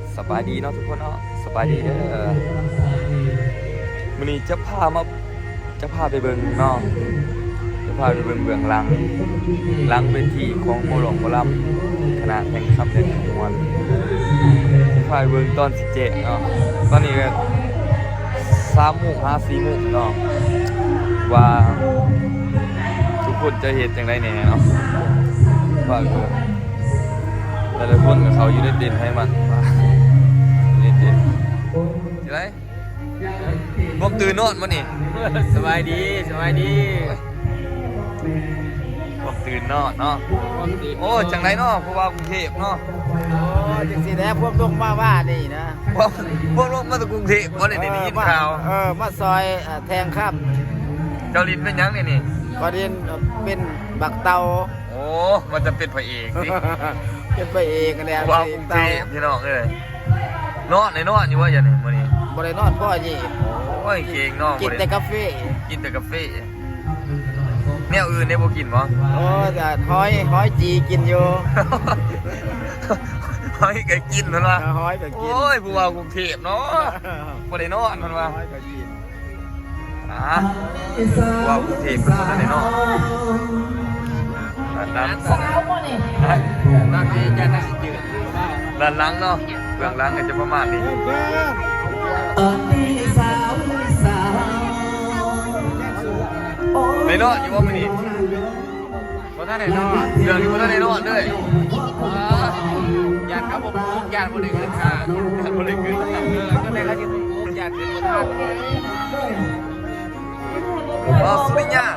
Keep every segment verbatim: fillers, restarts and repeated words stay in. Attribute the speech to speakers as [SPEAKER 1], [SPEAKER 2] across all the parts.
[SPEAKER 1] สบายดีเนาะทุกคนเนาะสบายดีเด้อมื้อนี้จะพามาจะพาไปเบิ่งเนาะจะพาไปเบิ่งเบื้องหลังหลังเวทีของหมอหลวงหมอลำคณะแห่งคำเด่นขมวลจะพาไปเบิ่งตอนสิเจ็ดเนาะตอนนี้ก็สามโมงห้าสี่โมงเนาะว่าทุกคนจะเห็นจังไดแหน่เนาะว่าเบิ่งแต่ละคนกับเขาอยู่ในเด่นให้มันเด่นเด่นจะไรงบตื่นนอนมันนี่
[SPEAKER 2] สบายดีสบายดี
[SPEAKER 1] งบตื่นนอนเนาะโอ้จังไรเนาะเพราะว่ากรุงเทพเนาะ
[SPEAKER 2] โอ้จังสิแล้พวกลงมาว่านี่นะ
[SPEAKER 1] พวกพวกลงมาจากกรุงเทพวันนี้ได้ยินข่าว
[SPEAKER 2] เออมาซอยแทงข้าม
[SPEAKER 1] เจ้าลินเป็นยังนี่นี่
[SPEAKER 2] ก็เรียนเป็นบักเตา
[SPEAKER 1] โอ้มันจะเป็นพระเอกสิ
[SPEAKER 2] เป็นไปเองกันแล้ว
[SPEAKER 1] ว่ากรุงเทพพี่น้องเลยนอนในนอนอยู่ว่าอย่างนี้วันนี้
[SPEAKER 2] บริโนอนพ่อยี่
[SPEAKER 1] โอ้ยเก่งเนาะ
[SPEAKER 2] กินแต่กาแฟ
[SPEAKER 1] กินแต่กาแฟแนวอื่นได้บ่กินบ่
[SPEAKER 2] โอ้แต่หอยหอยจีกินอยู่
[SPEAKER 1] เฮ้ยแกกินมันวะ
[SPEAKER 2] หอยก็กิน
[SPEAKER 1] โอ้ยผู้ว่ากรุงเทพเนาะบ่ได้นอนมันวะ
[SPEAKER 2] หอยก็กิน
[SPEAKER 1] อ่าผู้ว่ากรุงเทพมันบ่ได้นอนด้าน
[SPEAKER 3] สาวบ่นี่
[SPEAKER 2] นักนี้จะนักสิจืด
[SPEAKER 1] ด้านหลังเนาะเบื้องหลังก็จะประมาณนี้
[SPEAKER 3] สาวสาว
[SPEAKER 1] ได้นอนอยู่ว่ามื้อนี้
[SPEAKER 2] บ่ท่านไหนนอน
[SPEAKER 1] เรื่องนี้บ่ทันได้นอนเลย
[SPEAKER 2] ญาติครับผมญาติบ่ได้ขึ้นค่ะ
[SPEAKER 1] บ่ได้ขึ้น
[SPEAKER 2] เออก็เลยเขาจะผมญาติขึ้นบ่ทัน
[SPEAKER 1] อ๋อสุริยา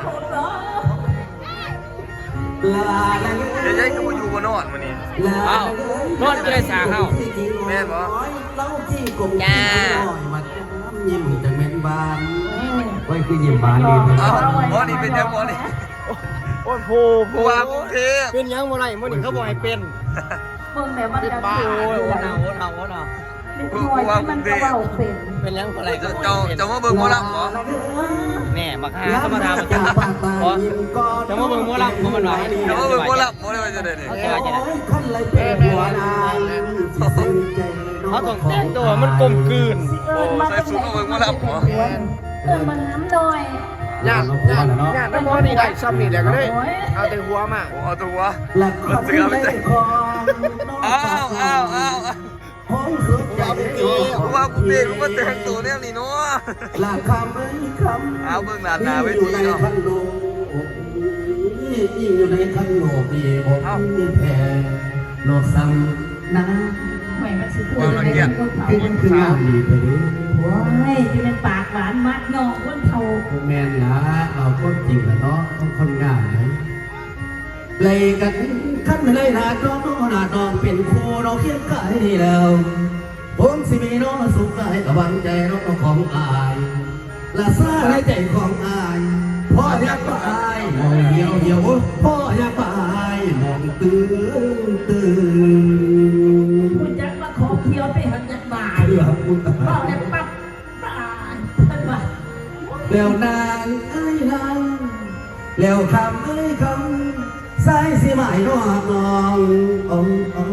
[SPEAKER 1] เดี๋ยวยัยก็บ่อยู่บ่นอนมื้อนี้
[SPEAKER 2] อ้าวนอนจะได้สาเฮา
[SPEAKER 1] แม่นบ่
[SPEAKER 2] จ้า
[SPEAKER 3] ยิ้มจังแม่นบานไว้คือยิ้มบานดี
[SPEAKER 1] เอ้าบ่นี่เป็นยังบ่นี่
[SPEAKER 2] โอ้โห
[SPEAKER 1] ผู้ว่ากรุงเทพ
[SPEAKER 2] เป็นยังบ่ไรมื้อนี้เขาบอกให้เป็น
[SPEAKER 4] เบิ่งแม่มัน
[SPEAKER 2] เป็น
[SPEAKER 4] จะ
[SPEAKER 2] บ้า
[SPEAKER 4] ถือ
[SPEAKER 2] โอ้โหหนาวหนาวหนาว
[SPEAKER 4] เป็นหน่วยที่มันกระเบาเป็น
[SPEAKER 2] เป็นยังบ่ไรก็
[SPEAKER 1] เจ้าเจ้ามาเบิ่งหมอลำบ่
[SPEAKER 2] แน่บักหาธรรมดามันจะบ่จะมาเบิ่งหมอลำบ่มันว่า
[SPEAKER 1] เจ้ามาเบิ่งหมอลำบ่ได้ว่าจะได้นี่
[SPEAKER 2] เขาจะว่าจะได้
[SPEAKER 3] ขั้นไรเป็นหัวนาย
[SPEAKER 2] เขาต้องแต่งตัวมันกลมกลืน
[SPEAKER 1] โอ้ใส่สูทมาเบิ่งหมอลำบ่
[SPEAKER 4] เอิ้นมันน้ำหน่อย
[SPEAKER 2] ญาติญาติญาติน้ำมอนี่ได้ซ้ำนี่แหละก็ได้เอาแต่หัวมา
[SPEAKER 1] โอ้เอาตัว
[SPEAKER 3] หลัก
[SPEAKER 1] รถเสือไปใส่อ้าวอ้าวอ้าว
[SPEAKER 3] ห้องสุดใจ
[SPEAKER 1] ผู้ว่ากรุงเทพมันมาแต่งตัวแนวนี้เนาะ
[SPEAKER 3] หลักคำไม่คำ
[SPEAKER 1] เอาเบิ่งหน้าหน้าเวทีเนาะ
[SPEAKER 3] ขันโลกยิ่งอยู่ในขันโลกนี่ผมมีแพ้โลกสั่งนะ
[SPEAKER 4] หวยมันสิพูดอะไรกันคนเฒ่า
[SPEAKER 3] ที่มันคืองานดีไปดิ
[SPEAKER 4] ว้ายที่มันปากหวานมัดงอกคนเฒ่า
[SPEAKER 3] แม่นละเอาคนจริงละเนาะต้องคนงานนะเลยกันขั้นเลยหนาดองหนาดองเป็นครูเราเขียนกายนี่แล้วผมสิมีน้องสุขกายกับวังใจน้องของอายละซาในใจของอายพ่ออยากไปมองเดียวเดียวพ่ออยากไปมองตื่นตื่น
[SPEAKER 4] คุณจักมาขอเคี้ยวไปหันจักบ่าย
[SPEAKER 3] เพื่อคุณตา
[SPEAKER 4] บอกได้ปั๊บบ่ายเพิ่นว่า
[SPEAKER 3] แล้วนางเอ้ยนางแล้วคำเอ้ยคำสายสิหมายนอกนองององ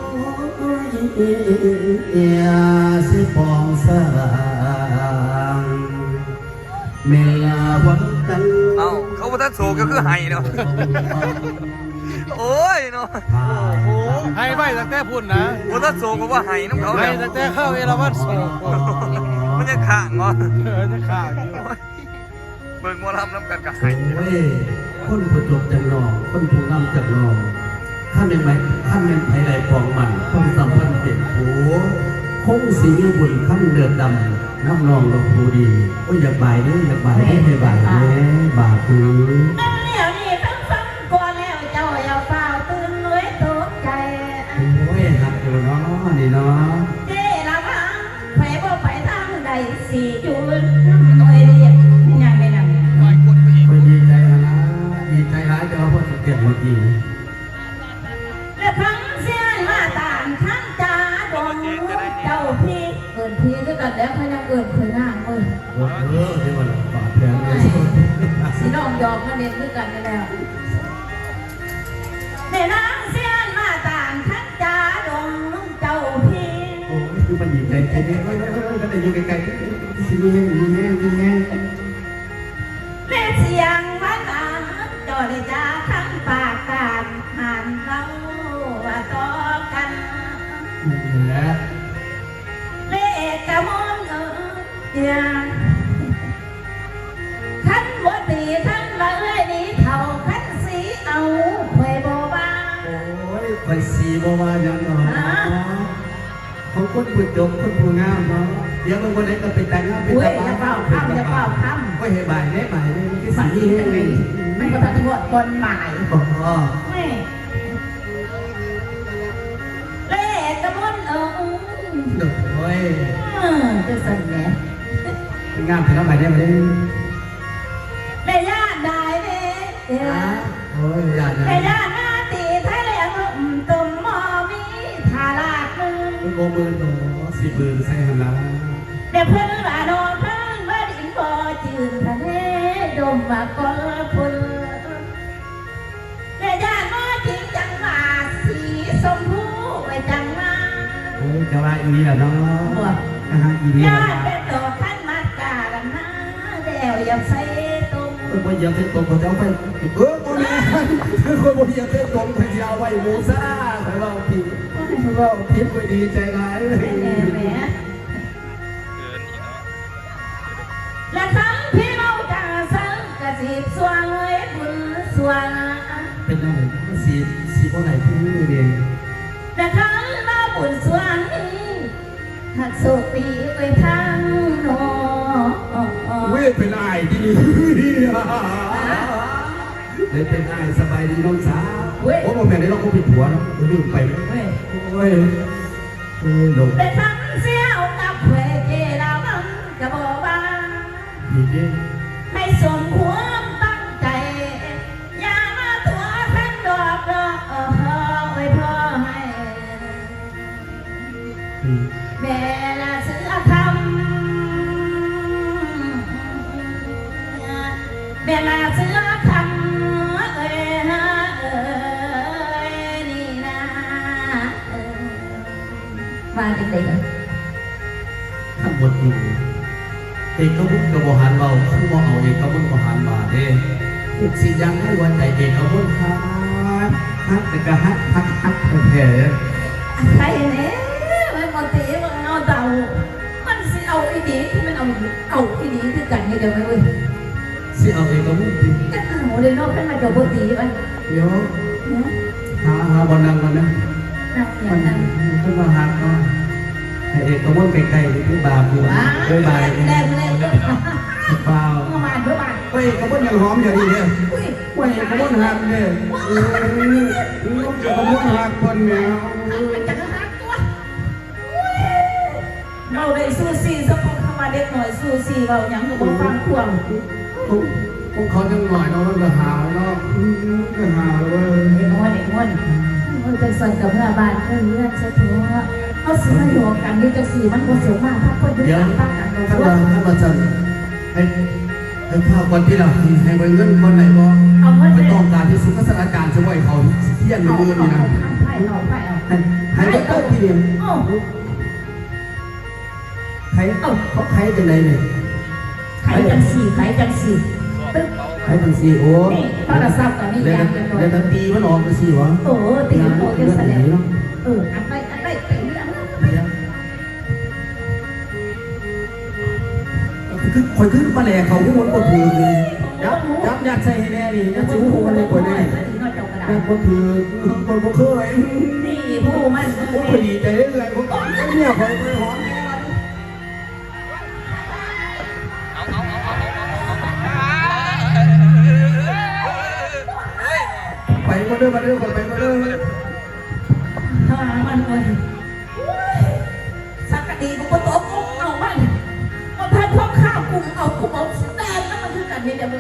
[SPEAKER 3] เอียสิปองสางเมลาวันกัน
[SPEAKER 1] เอ้าเขาบ่ทันโศกก็คือไห้เนาะโอ้ยเนาะ
[SPEAKER 2] โอ้ให้ไว้ตั้งแต่พุ่นนะ
[SPEAKER 1] บ่ทันโศกก็ว่าไห้นำเขา
[SPEAKER 2] ให้
[SPEAKER 1] แล้ว
[SPEAKER 2] ตั้งแต่เข้าเอราวัณโศก
[SPEAKER 1] มันจะข้างเนาะ
[SPEAKER 2] เออจะขาดอยู่
[SPEAKER 1] เบิ่งหมอลำนำกันก็ไห้
[SPEAKER 3] โอ้ยคนผู้จบจังนองคนผู้นำจังนองข้าเป็นไหมข้าเป็นไผ่ไหลฟองมันคนสัมพันธ์เป็นโผคงสีบุญข้ามเดือดดำน้ำนองลงผู้ดีโอ้ยอยากบ่ายเด้ออยากบ่ายให้ให้บ่ายเด้อบาปื้อ
[SPEAKER 4] นั่นแล้วนี่ทั้งฟังก่อนแล้วเจ้าอย่าเฝ้าตื่นเลยตกใจ
[SPEAKER 3] โอ้ยหักอยู่เนาะนี่เนาะ
[SPEAKER 4] เจ้ละพังไปบ่ไปทางใดสิจุดหน่วยเรียกยังไม่นำ
[SPEAKER 1] หลายคนไปอีก
[SPEAKER 3] ไปดีใจนะดีใจร้ายจะเอาพวกเก็บเมื่อกี้
[SPEAKER 4] และครั้งเสียนมาต่างทั้งจาดงเจ้าพี่เอินพี่ด้วยกันแล้วเขายังเอินเคยนั่งเอ้ย
[SPEAKER 3] โอ้เออที่มันบาดแผลเลย
[SPEAKER 4] สีน้องยอมมาเรียนด้วยกันแล้วแม่นางเสียนมาต่างทั้งจาดงเจ้าพี่
[SPEAKER 3] โอ้ยคือมันหยิบใจใจเนี่ยเฮ้ยเฮ้ยเฮ้ยก็แต่อยู่ไกลๆสิมีแห้งมีแห้งมีแห้ง
[SPEAKER 4] แม่เสียงมันอ่านจอดจ้าทั้งปากการหันเราว่าต่อกัน
[SPEAKER 3] นี่แหละ
[SPEAKER 4] เลขกะมองเอิญอย่างขันบ่ตีขันละเอ้ยนี่เท่าขันสีเอาไว้บ่บ้า
[SPEAKER 3] โอ้ยไปสีบ่ว่าอย่างเนาะเขาคนผู้จบคนผู้งามเนาะเดี๋ยวบางคนเองก็ไปแต่งงานเป็น
[SPEAKER 4] อุ้ย
[SPEAKER 3] ตา
[SPEAKER 4] อย่าเป่าคำอย่าเป่าคำ
[SPEAKER 3] ก็เห็นบ่ายได้บ่ายได้ที่
[SPEAKER 4] ฝั
[SPEAKER 3] สี
[SPEAKER 4] น
[SPEAKER 3] นี่
[SPEAKER 4] ดี
[SPEAKER 3] แห้
[SPEAKER 4] จั
[SPEAKER 3] ง
[SPEAKER 4] งเล
[SPEAKER 3] เลย
[SPEAKER 4] ยมันก็ทันทวดคนหมาย
[SPEAKER 3] อ๋อ
[SPEAKER 4] แม่เลขกะมองเอิญ
[SPEAKER 3] โอ้ย
[SPEAKER 4] อืมจะสั่นแหน่
[SPEAKER 3] งามแต่ละบ่ายได้บ่ได้
[SPEAKER 4] แม่ย่าได้เด้เด้อ
[SPEAKER 3] โอ้ยอย่า
[SPEAKER 4] แม่
[SPEAKER 3] นะ
[SPEAKER 4] ย่าหน้าตีไทยแหลงตุ่มหมอมีทาลาดมือ
[SPEAKER 3] โกเบิร์นโอ้สีเบิร์นใส่หันหลัง
[SPEAKER 4] เดี๋ยวเพื่อนว่าโดนเพื่อนว่าดินบ่จืดทะเลดมว่ากอลพุนแม่ย่ามาจริงจังว่าสีชมพูไว้จังมา
[SPEAKER 3] โอ้ยจะว่าอีนี่แหละเนาะนะฮะอีนี่
[SPEAKER 4] ย่า
[SPEAKER 3] แหละ
[SPEAKER 4] เป็นดอกขันมากกาลนะเดี๋ยวอย่าใส่ตุ่ม
[SPEAKER 3] เออบ่เหยียบเส้นตรงเขาจะเอาไปเออโมแม่คือคนบ่เหยียบเส้นตรงเขาจะเอาไว้หมูซ่าไปว่าผิดว่าผิดไปดีใจร้ายเลย
[SPEAKER 4] แม่แม่
[SPEAKER 1] เกินอีกเนาะ
[SPEAKER 4] และทั้งที่เราจะสังกะสีสวงเอ้ยบุญสวง
[SPEAKER 3] เป็นอะไรสีสีพวกไหนที่นี่เอง
[SPEAKER 4] แต่ทั้งเราบุญสวงหักโศกปีไปทางโน
[SPEAKER 3] เว้ยเป็นไอ้ที่นี่เลยเป็นไอ้สบายดีน้องสาวโอ้โมแม่ได้เราก็ผิดหัวเนาะลืมไปไหม
[SPEAKER 4] เว้ย
[SPEAKER 3] โอ้ยโอ้ยหลง
[SPEAKER 4] แต่ทั้งเสียวกับเวเจเราบังจะบอกว่า
[SPEAKER 3] ผิดเอง
[SPEAKER 4] ให้สมความตั้งใจ อย่ามาตัวทั้งดอกดอกเออไว้พ่อให้
[SPEAKER 3] ผิด
[SPEAKER 4] แม่ละเสือคำแม่ละเสือคำเอ้ยฮะเอ้ยนี่นะเอ้ยมาจริงๆเลย
[SPEAKER 3] ทั้งหมดนี้เอกบุญกับบหันเราคือบ่เอาเอกบุญบหันบาเด้ทุกสิ่งอย่างให้หัวใจเอกบุญฮักฮักแต่ก็ฮักฮักฮักแท้
[SPEAKER 4] ใครเนี่ยมันมาตีมันเอาเดามันสิเอาอีดีที่มันเอาเอาอีดีคือกันนี่เดียวไหมเว้ย
[SPEAKER 3] ๆสิเอาเอกบุญจริง
[SPEAKER 4] จะเอาเลยเนาะเป็นมาจะบ่ตีมัน
[SPEAKER 3] เดี๋ยว
[SPEAKER 4] เนี่ย
[SPEAKER 3] หาหาบอลนังมันนะ
[SPEAKER 4] นั่งอ
[SPEAKER 3] มั
[SPEAKER 4] ย่าน งนั้น
[SPEAKER 3] ขึ้นมาฮักเนาะให้เอกบุญใกล้ๆคือบาปอยู่
[SPEAKER 4] ว้า
[SPEAKER 3] ด้วยบาย
[SPEAKER 4] แรงแรงเด้อ
[SPEAKER 3] เปล่า
[SPEAKER 4] เมื่อวานเมื่อวาน
[SPEAKER 3] เฮ้ยเอกบุญยังหอมอย่างนี้เนี่ย
[SPEAKER 4] อุ้ย
[SPEAKER 3] เฮ้ยเอกบุญฮักเนี่ยเออเอกบุญฮักคนแมว
[SPEAKER 4] มันจะหักตัวอุ้ยเราได้สู้ซีสักคนเข้ามาเด็กหน่อยสู้ซีเรายังอยู่บนฟังควง
[SPEAKER 3] พวกเขาจังหน่อยเนาะมันก็หาวเนาะอืมก็หาวเว้ย
[SPEAKER 4] เด็กน้อยเด็กน้อยมันเป็นส่วนกับเมื่อบ้านเพื่อนเพื่อนซะทั่วเขาซื้อมาอยู่กันนี่จะสีมันก็สูงมากถ้าคนยุ่งยากตั้งกันเรา
[SPEAKER 3] ท่าน
[SPEAKER 4] ว่า
[SPEAKER 3] ว่าท่านว่าจันให้ให้ข้าวคนที่เราให้ไปเงินคนไหนบ่ไม่ต้องการที่สุขสถานการณ์จะไหวเขาเที่ยง
[SPEAKER 4] เอา
[SPEAKER 3] มือ
[SPEAKER 4] เอา
[SPEAKER 3] นี่นะ
[SPEAKER 4] ไผ่เอาไผ่เอา
[SPEAKER 3] ให้ให้ไปเกิดที่เดียว
[SPEAKER 4] โอ้
[SPEAKER 3] ใครเอ้าเขาใครจังไดเนี่ย
[SPEAKER 4] ไข่จังสีไข่จังสีตึ๊บ
[SPEAKER 3] ใครจังสีโอ้
[SPEAKER 4] นี่โทรศัพท์ตอนนี้
[SPEAKER 3] เดี๋ย
[SPEAKER 4] ยั
[SPEAKER 3] ว
[SPEAKER 4] งกันหน่อย
[SPEAKER 3] เดี๋ยวตีมันออกมาสิวะ
[SPEAKER 4] โอ้ตีโอ้กันแสดงเอออันไปอันไปตีอันนั้น
[SPEAKER 3] คือคอยขึ้นมาแหล่เขาผู้คนก็ถือเลยยับยับยัดใส่ให้แน่นี่ยัดใส่หูมันเลยคนนี้ยัดคนถือคนก็เคย
[SPEAKER 4] นี่ผู้มัน
[SPEAKER 3] ผมพอดีใจเลยผมก็เนี่ยคอยไปหอม
[SPEAKER 1] เอาเอาเอาเอาเอา
[SPEAKER 3] ไปมาเด้อมาเด้อไปมาเด้อ
[SPEAKER 4] ทางมันเลยสักกะดีกูก็ตบเอามันมันพันพวกข้าวกลุ่มเอากลุ่มเอาแดงแล้วมันคือกันนี่เดี๋ยวเลย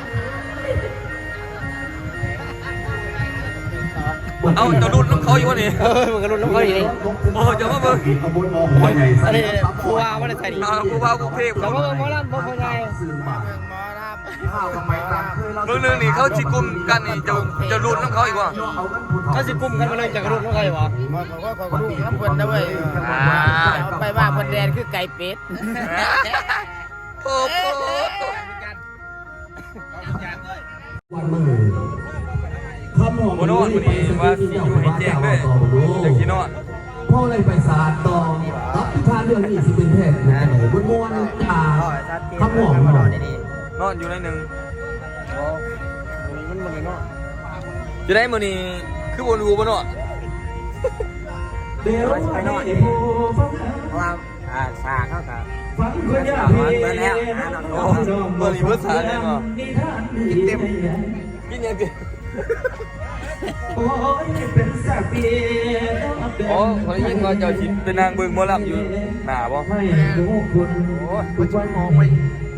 [SPEAKER 1] เอาจะรุ่นน้ำเขาอยู่วะนี่
[SPEAKER 2] เออมันก็รุ่นน้ำเขาอยู่นี่
[SPEAKER 1] โอ้จะมาเบิ่ง
[SPEAKER 3] ขบวนมอหัวใหญ่
[SPEAKER 2] อันนี้ครูว่าไม่ได้ใส่ดี
[SPEAKER 1] อ่ากูว่ากรุงเทพ
[SPEAKER 2] แต่ว่าเบิ่งหมอลำบ่พอไง
[SPEAKER 3] สื่อมา
[SPEAKER 2] หมอลำ
[SPEAKER 3] ข้าวกับไม้ตามเคยเรา
[SPEAKER 1] เรื่องนึงนี่เขาจิกลุ่มกันนี่จะจะรุนน้ำเขาอีกว่า
[SPEAKER 2] เขาสิปุ่มกันมาเลยจากรุ่นของใครวะ
[SPEAKER 5] บอกว่าขอลูกน้ำเพิ่นนะเว้ย
[SPEAKER 1] อ่า
[SPEAKER 5] เอาไปว่าเพิ่นแดนคือไก่เป็ด
[SPEAKER 1] โอ้โห
[SPEAKER 3] วันมือคำหอม
[SPEAKER 1] โมโนวันนี้ว่าสิอยู่ให้แจ้งด้วยจากที่นอน
[SPEAKER 3] พ่อเลยไปศาสตร์ต่อรับพิธานเรื่องนี้สิเป็นแพทย์นะบนมวนจ่าคำหอมหอม
[SPEAKER 1] นอนอยู่ในหนึ่ง
[SPEAKER 2] มันมันเลยเนาะ
[SPEAKER 1] จะได้มื้อนี้คือบนรูบ่เนาะ
[SPEAKER 3] เดี๋ยวไปหน่อยผู้ฟัง
[SPEAKER 5] เพราะว่าอ่าสาเข้ากับ
[SPEAKER 3] ฟังคนยาก
[SPEAKER 5] เปิดแล้วหาหน่อย
[SPEAKER 1] โอ้บ่รีเบิร์สาได้บ่
[SPEAKER 3] กินเต็ม
[SPEAKER 1] กินยังกิน
[SPEAKER 3] โอ้ยเป็นสักปี
[SPEAKER 1] โอ้เขาได้ยินว่าเจ้าชิดเป็นนางเบิ่งหมอลำอยู่หน้าบ่
[SPEAKER 3] ให้รู้คุณ
[SPEAKER 1] โอ้ย
[SPEAKER 3] ทุกวันมองไป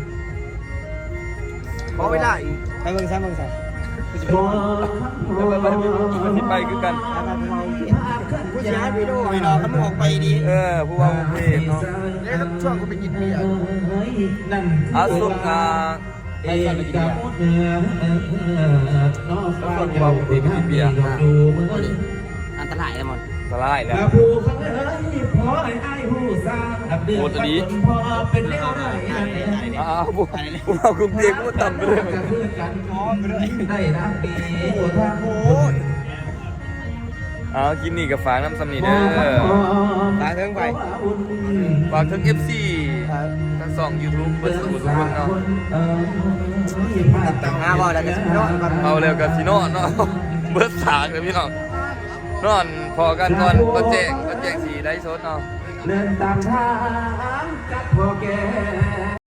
[SPEAKER 5] พอไม่ได้
[SPEAKER 2] ไปเบิ่งซ้ำเบิ่งซ้ำ
[SPEAKER 3] บ่
[SPEAKER 1] ไปไปไปมันสิไปคือกัน
[SPEAKER 5] ผู้ชายไปดูไปนอนเขาไม่ออกไปดี
[SPEAKER 1] เออผู้ว่าผู้เพศเนาะ
[SPEAKER 5] เนี่ยครับช่วงกูไปกินเบียร์
[SPEAKER 3] นั่น
[SPEAKER 1] อาสุกอ่า
[SPEAKER 3] เอกกับเนื้อน้องฟ้าเจ้าเด็กเบียร์ดูมือ
[SPEAKER 5] อันตรายเลยมัน
[SPEAKER 1] สลายแล้ว
[SPEAKER 3] ผู้ฟังเอ้ยพอไอ้ไอ้ผู้สร้างอับเดือดพอเป็นแนวไหน
[SPEAKER 1] อ้าวผู้ผู้เอากรุงเทพผู้ต่ำไปเลย
[SPEAKER 3] กันกันพร้อมไปเลยได้นะปีทางโอ้ย
[SPEAKER 1] เอาคลิปนี้กับฝากน้ำสำนีเด้อ
[SPEAKER 2] ตาเทิงไป
[SPEAKER 1] ฝากทั้ง เอฟ ซี ทั้งสอง YouTube เปิดสมุดทุกคนเนาะ
[SPEAKER 5] หาบ่ได้กันนอนกัน
[SPEAKER 1] เอาเร็วกับซีโน่เนาะ เบิร์ดสากเลยพี่น้องนอนพอกันก่อนก็แจ้งก็แจ้งสีไลฟ์สดเนาะ
[SPEAKER 3] เดินตามทางกับพ่อแก